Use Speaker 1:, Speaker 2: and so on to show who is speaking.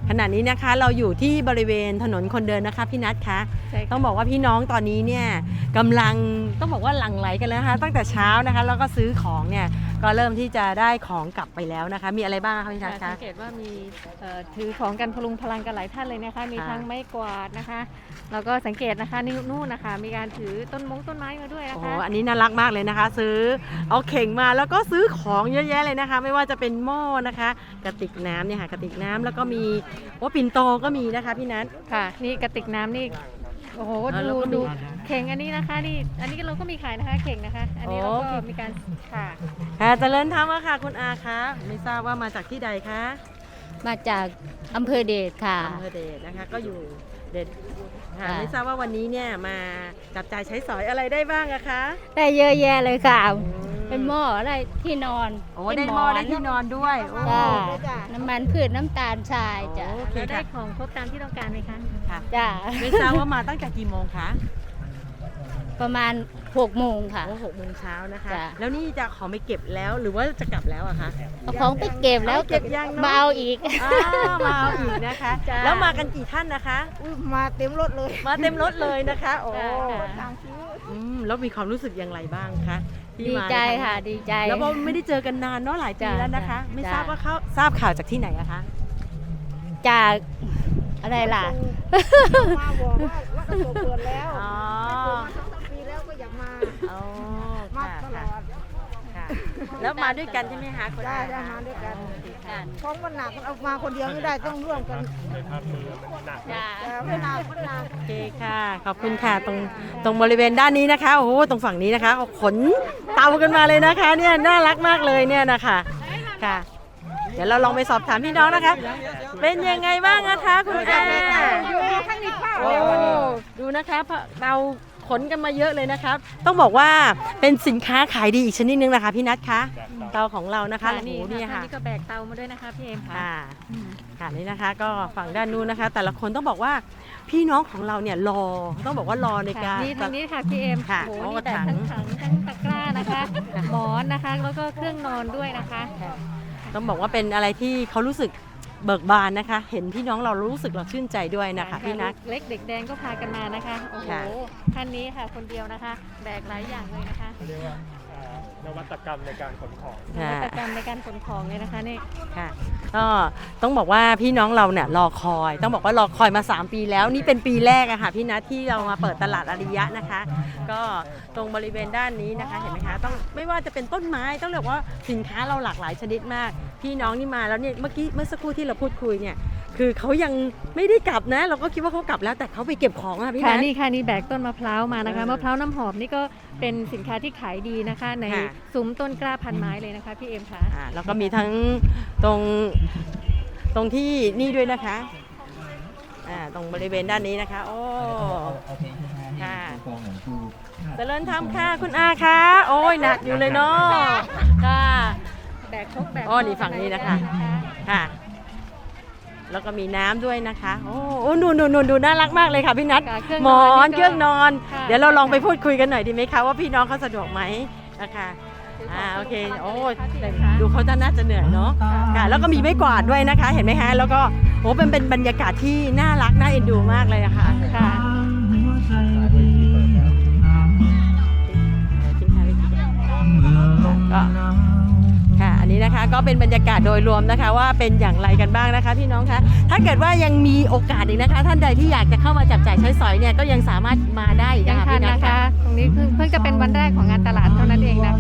Speaker 1: ขณะนี้นะคะเราอยู่ที่บริเวณถนนคนเดินนะคะพี่นัทคะต้องบอกว่าพี่น้องตอนนี้เนี่ยกำลังต้องบอกว่าหลั่งไหลกันแล้วนะคะตั้งแต่เช้านะคะแล้วก็ซื้อของเนี่ยก็เริ่มที่จะได้ของกลับไปแล้วนะคะมีอะไรบ้างคะพี่นัทคะ
Speaker 2: สังเกตว่ามีถือของกันพลุงพลังกันหลายท่านเลยนะคะมีทั้งไม้กวาดนะคะแล้วก็สังเกตนะคะนู่นนะคะมีการถือต้นไม้มาด้วยนะคะ
Speaker 1: โอ้อันนี้น่ารักมากเลยนะคะซื้อเอาเข่งมาแล้วก็ซื้อของเยอะแยะเลยนะคะไม่ว่าจะเป็นหม้อนะคะกระติกน้ำเนี่ยค่ะกระติกน้ำแล้วก็มีปิ่นโตก็มีนะคะพี่นัท
Speaker 2: ค่ะนี่กระติกน้ำนี่โอ้โหดูเข่งอันนี้นะคะนี่อันนี้เราก็มีขายนะคะเข่งนะคะอันนี้เราก็มีการ
Speaker 1: ค่ะเจริญธรรมค่ะคุณอาคะไม่ทราบว่ามาจากที่ใดคะ
Speaker 3: มาจากอำเภอเดชค่ะ
Speaker 1: อำเภอเดชนะคะก็อยู่เดชค่ะไม่ทราบว่าวันนี้เนี่ยมาจับจ่ายใช้สอยอะไรได้บ้างอะคะ
Speaker 3: ได้เยอะแยะเลยค่ะเป็นหม้อได้ที่นอน
Speaker 1: ได้หม้อได้ที่นอนด้วย
Speaker 3: จ้าน้ำมันพืชน้ำตาลทรายจ้ะ
Speaker 2: ได้ของครบตามที่ต้องการไหมคะ
Speaker 1: ค่ะ
Speaker 3: จ้า
Speaker 1: ไม่ทราบว่ามาตั้งแต่กี่โมงคะ
Speaker 3: ประมาณ6 โมงค่ะ
Speaker 1: 6 โมงเช้านะคะแล้วนี่จะของไปเก็บแล้วหรือว่าจะกลับแล้วอะคะ
Speaker 3: เอาของไปเก็บแล้ว
Speaker 1: เก็บยัง
Speaker 3: มาเอาอีก
Speaker 1: มาเอาอีกนะคะแล้วมากันกี่ท่านนะคะ
Speaker 3: มาเต็มรถเลย
Speaker 1: มาเต็มรถเลยนะคะโอ้แล้วมีความรู้สึกอย่างไรบ้างคะ
Speaker 3: ดีใจค่ะดีใจ
Speaker 1: แล้วก็ไม่ได้เจอกันนานเนาะหลายปีแล้วนะคะไม่ทราบว่าเขาทราบข่าวจากที่ไหนอะคะ
Speaker 3: จากอะไรล่ะ
Speaker 4: มาบอกว่ากระจกเปิดแล้วไม่เปิดมา2-3 ปีแล้วก็อยากมาตลอด
Speaker 1: แล้วมาด้วยกันใช่ไหมคะ
Speaker 4: ได้มาด้วยกันท้องมันหนักเอามาคนเดียวไม่ได้ต้องร่วมกันไม่หนัก
Speaker 1: โอเคค่ะขอบคุณค่ะตรงบริเวณด้านนี้นะคะโอ้โหตรงฝั่งนี้นะคะขนเตากันมาเลยนะคะเนี่ยน่ารักมากเลยเนี่ยนะคะค่ะเดี๋ยวเราลองไปสอบถามพี่น้องนะคะเป็นยังไงบ้างนะคะคุณอาโอ้ดูนะคะเราขนกันมาเยอะเลยนะครับต้องบอกว่าเป็นสินค้าขายดีอีกชนิดนึงนะคะพี่นัทคะเตาของเรานะคะ
Speaker 2: นี่ค่ะนี่ก็แบกเตามาด้วยนะคะพี่เอ็มค่ะ
Speaker 1: ค่ะนี่นะคะก็ฝั่งด้านนู้นนะคะแต่ละคนต้องบอกว่าพี่น้องของเราเนี่ยรอต้องบอกว่ารอในการ
Speaker 2: นี่ทางนี้ค่ะพี่เอ็ม
Speaker 1: ค่ะ
Speaker 2: โอ้โหแต่ทั้งถังทั้งตะกร้านะคะหมอนนะคะแล้วก็เครื่องนอนด้วยนะคะ
Speaker 1: ต้องบอกว่าเป็นอะไรที่เขารู้สึกเบิกบานนะคะเห็นพี่น้องเรารู้สึกเราชื่นใจด้วยนะคะพี่นัท
Speaker 2: เล็กเด็กแดงก็พากันมานะคะโอ้โหท่านนี้ค่ะคนเดียวนะคะแบกหลายอย่างเลยนะคะ
Speaker 5: เรียกว่านวัตกรรมในการขนของ
Speaker 2: นวัตกรรมในการขนของเลยนะคะนี่
Speaker 1: ค่ะก็ต้องบอกว่าพี่น้องเราเนี่ยรอคอยต้องบอกว่ารอคอยมา3 ปีแล้วนี่เป็นปีแรกอะค่ะพี่นัทที่เรามาเปิดตลาดอาริยะนะคะก็ตรงบริเวณด้านนี้นะคะเห็นไหมคะต้องไม่ว่าจะเป็นต้นไม้ต้องเรียกว่าสินค้าเราหลากหลายชนิดมากพี่น้องนี่มาแล้วเนี่ยเมื่อสักครู่ที่เราพูดคุยเนี่ยคือเขายังไม่ได้กลับนะเราก็คิดว่าเขากลับแล้วแต่เขาไปเก็บของอะพี่นัท
Speaker 2: นี่ค่ะนี่แบกต้นมะพร้าวมานะคะมะพร้าวน้ำหอมนี่ก็เป็นสินค้าที่ขายดีนะคะในซุ้มต้นกล้าพันไม้เลยนะคะพี่เอ็มค่ะ
Speaker 1: แล้วก็มีทั้งตรงที่นี่ด้วยนะคะตรงบริเวณด้านนี้นะคะโอ้ค่ะเจริญธรรมค่ะคุณอาคะโอ้ยหนักอยู่เลยเนาะค่ะ
Speaker 2: แบก
Speaker 1: นี่ฝั่งนี้นะคะค่ะแล้วก็มีน้ำด้วยนะคะโอ้นูนดูน่ารักมากเลยค่ะพี่นัทหมอนเครื่องนอนเดี๋ยวเราลองไปพูดคุยกันหน่อยดีไหมคะว่าพี่น้องเขาสะดวกไหมนะคะโอเคโอ้ดูเขาน่าจะเหนื่อยเนาะค่ะแล้วก็มีไม้กวาดด้วยนะคะเห็นไหมคะแล้วก็เป็นบรรยากาศที่น่ารักน่าเอ็นดูมากเลยค่ะค่ะอันนี้นะคะก็เป็นบรรยากาศโดยรวมนะคะว่าเป็นอย่างไรกันบ้างนะคะพี่น้องคะถ้าเกิดว่ายังมีโอกาสอีกนะคะท่านใดที่อยากจะเข้ามาจับจ่ายใช้สอยเนี่ยก็ยังสามารถมาได้
Speaker 2: ยังทันนะคะตรงนี้เพิ่งจะเป็นวันแรกของงานตลาดเท่านั้นเองนะคะ